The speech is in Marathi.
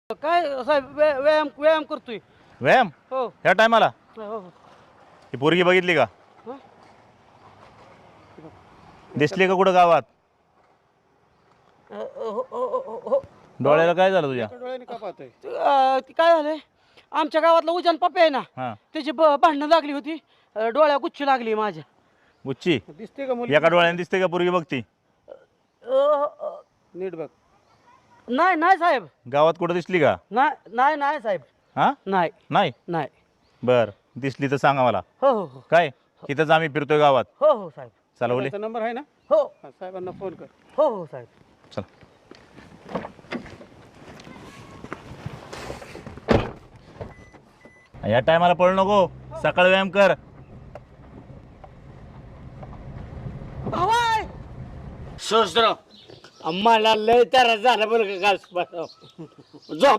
काय साहेब व्यायाम व्यायाम करतोय. व्यायाम हो ह्या टायमाला? हो ही पोरगी बघितली का? हं? दिसली का कुठं गावात? हो. डोळ्याला काय झालं तुझ्या? डोळ्याने का पाहतोय? ती काय झालंय आमच्या गावातला उजान पप्पा आहे ना हां त्याची भांडणं लागली होती. डोळ्या गुच्ची लागली माझ्या. गुच्ची दिसते का मुली? एका डोळ्याने दिसते का पोरगी बघती? नीट बघ. नाही नाही साहेब गावात कुठं दिसली का? नाही नाही साहेब हां नाही नाही नाही. बर दिसली तर सांगा मला. हो हो हो काय इथंच आम्ही फिरतोय गावात. हो हो साहेब. चला ओले त्याचा नंबर आहे ना? हो हा, साहेबांना फोन कर. हो हो साहेब. चला. या टायमाला पळू नको, सकाळ व्यायाम कर. भावाय सोसराव मला लय त्रास झाला बरं का काल झोप